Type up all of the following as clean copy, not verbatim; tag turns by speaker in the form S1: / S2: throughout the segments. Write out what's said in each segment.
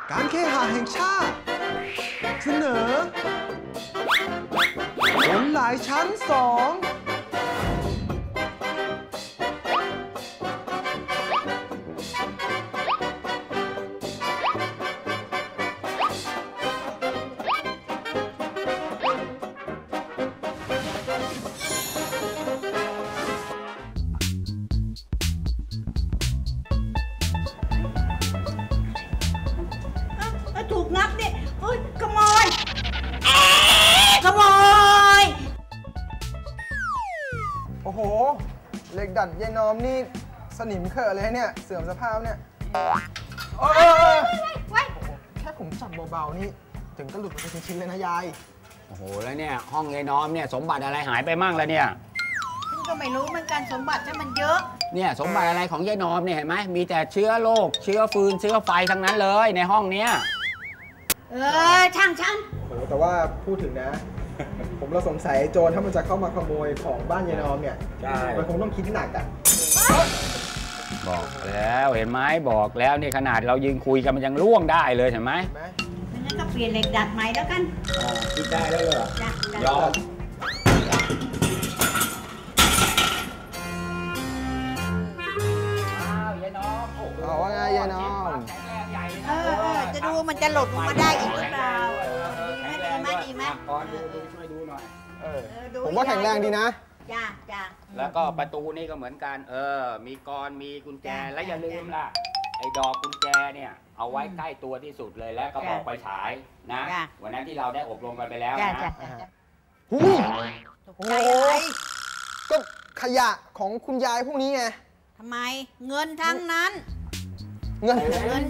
S1: การเคหะแห่งชาติเสนอบนหลายชั้น2
S2: ถูกงับเนี่ยเฮ้ยขโมยขโมย
S1: โอ้โหเหล็กดัดยายนอมนี่สนิมเขอะเลยเนี่ยเสื่อมสภาพเนี่ยแค่ผมจับเบาๆนี่ถึงก็หลุดไปเป็นชิ้นๆเลยนะยาย
S3: โอ้โหแล้วเนี่ยห้องยายน้อมเนี่ยสมบัติอะไรหายไปมั่งแล้วเนี่ย
S2: ฉันก็ไม่รู้เหมือนกันสมบัติฉันมันเยอะ
S3: เนี่ยสมบัติอะไรของยายน้อมเนี่ยเห็นไหมมีแต่เชื้อโรคเชื้อฟืนเชื้อไฟทั้งนั้นเลยในห้องเนี้ย
S2: ช่างฉัน
S1: โอ้แต่ว่าพูดถึงนะ ผมเราสงสัยโจรถ้ามันจะเข้ามาขโมยของบ้านยายนอมเนี่ยมันคงต้องคิดหนักอ่ะ
S3: บอกแล้วเห็นไหมบอกแล้วนี่ขนาดเรายืนคุยกันมันยังล่วงได้เลยเห็นไหม
S2: งั้นก็เปลี่ยนเหล็กดัดใหม่แล้วกัน
S3: คิดได้แล้วเหรอยอมยายน้อม
S1: เอาว่าไงยายน้อม
S2: จะดูมันจะหลุดมาได้อีกหรือเปล่าดีไหม
S3: ก่อนดูช่วยดูหน่อย
S1: ผมว่าแข็งแรงดีนะ
S2: จ้า
S3: แล้วก็ประตูนี่ก็เหมือนกันมีกรมีกุญแจและอย่าลืมล่ะไอ้ดอกกุญแจเนี่ยเอาไว้ใกล้ตัวที่สุดเลยและก็บอกไปฉายนะวันนั้นที่เราได้อบรมกันไปแล้วนะ
S1: โอ้โหก็ขยะของคุณยายพวกนี้ไง
S2: ทำไมเงินทั้งนั้น
S1: เงิน
S3: ใช่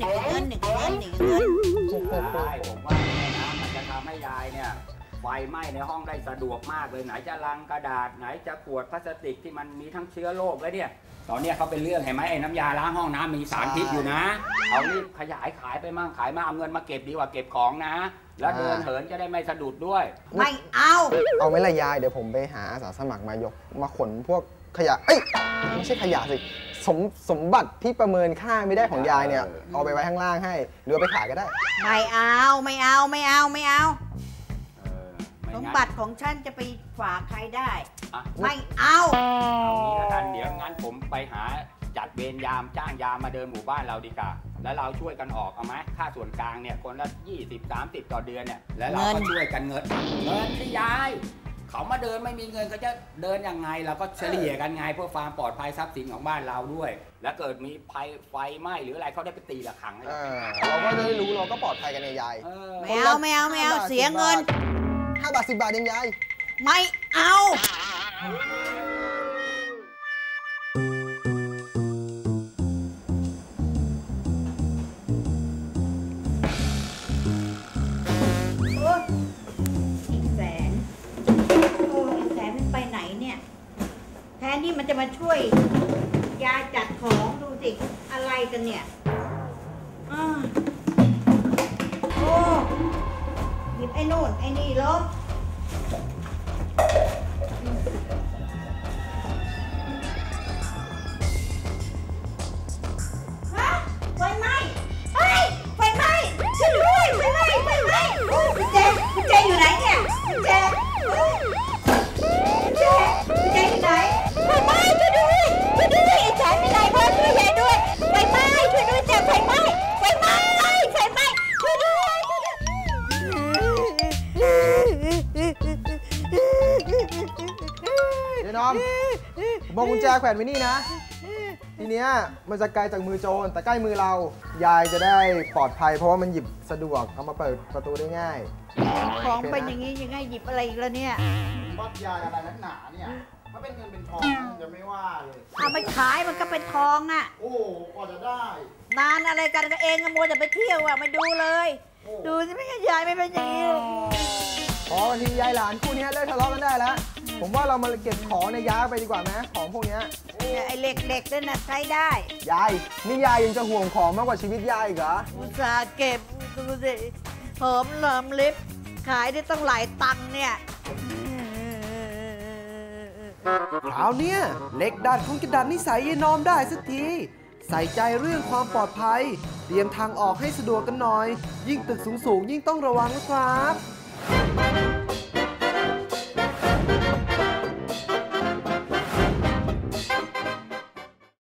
S3: ผมว่าเนี่ยนะมันจะทำให้ยายเนี่ยไฟไหม้ในห้องได้สะดวกมากเลยไหนจะลังกระดาษไหนจะขวดพลาสติกที่มันมีทั้งเชื้อโรคแล้วเนี่ยตอนนี้เขาเป็นเรื่องเห็นไหมไอ้น้ำยาล้างห้องน้ำมีสารพิษอยู่นะเอารีบขยายขายไปมั่งขายมาเอาเงินมาเก็บดีกว่าเก็บของนะแล้วเดินเหินจะได้ไม่สะดุดด้วย
S2: ไม่เอา
S1: ไม่ละยายเดี๋ยวผมไปหาอาสาสมัครมายกมาขนพวกขยะไม่ใช่ขยะสิสมบัติที่ประเมินค่าไม่ได้ของยายเนี่ยเอาไปไว้ข้างล่างให้หรือไปขายก็ได้
S2: ไม่เอาสมบัติของฉันจะไปฝากใครได้ไม่เอา
S3: งี้แล้วกันเดี๋ยวงั้นผมไปหาจัดเวรยามจ้างยามมาเดินหมู่บ้านเราดีกว่าแล้วเราช่วยกันออกเอาไหมค่าส่วนกลางเนี่ยคนละ20-30ต่อเดือนเนี่ยแล้วเราก็ช่วยกันเงินที่ยายเขามาเดินไม่มีเงินเขาจะเดินยังไงเราก็เฉลี่ยกันไงเพื่อความปลอดภัยทรัพย์สินของบ้านเราด้วยแล้วเกิดมีไฟไหม้หรืออะไรเขาได้ไปตีระฆัง
S1: เราก็จะได้รู้เราก็ปลอดภัยกันในยาย
S2: ไม่เอาเสียเงิน
S1: 5 บาท 10 บาทเองยาย
S2: ไม่เอาแทนที่มันจะมาช่วยยายจัดของดูสิอะไรกันเนี่ยโอ้หยิบไอ้โน่นไอ้นี่ลบไฟไหม้ไฟไหม้ช่วยด้วยไฟไหม้กุญแจอยู่ไหนเนี่ยกุญแจอยู่ไหนไฟไหม้ช่วยด้วยไอ้ชายไม่ได้พ่อช่วยยายด้วยไฟไหม้ช่วยด้วยจ้ะไฟไหม้ช่วยด้วย
S1: เดี๋ยวน้อมบอกกุญแจแขวนไว้นี่นะทีเนี้ยมันจะไกลจากมือโจรแต่ใกล้มือเรายายจะได้ปลอดภัยเพราะว่ามันหยิบสะดวกเอามาเปิดประตูได้ง่าย
S2: ของเป็นอย่างนี้ยังไงหยิบอะไรอีกแล้วเนี่ย
S1: บ้ายายอะไรนักหนาเนี่ยถ้าเป็นเงินเป็นทองจะไม่ว่าเลย
S2: เอาไปขายมันก็เป็นทองอ่ะ
S1: โอ้กว่าจะได้
S2: นานอะไรกันก็เองก็มัวแต่ไปเที่ยวอ่ะไม่ดูเลยดูสิไม่ยายไม่เป็นอย่างนี้
S1: พอทียายหลานคู่นี้เลิกทะเลาะกันได้แล้วผมว่าเรามาเก็บของในย้ายไปดีกว่าไหมของพวกนี้
S2: ไอ้เหล็กๆนั่นนะใช้ได้
S1: ยายนี่ยายยังจะห่วงของมากกว่าชีวิตยายอีกเหรอ
S2: อุตส่าห์เก็บดูสิหอมเหลิมลิฟขายได้ตั้งหลายตังค์เนี่ย
S4: คราวเนี้ยเหล็กดัดคงจะดัดนิสัยยายนอมได้สักทีใส่ใจเรื่องความปลอดภัยเตรียมทางออกให้สะดวกกันหน่อยยิ่งตึกสูงๆยิ่งต้องระวังนะครับ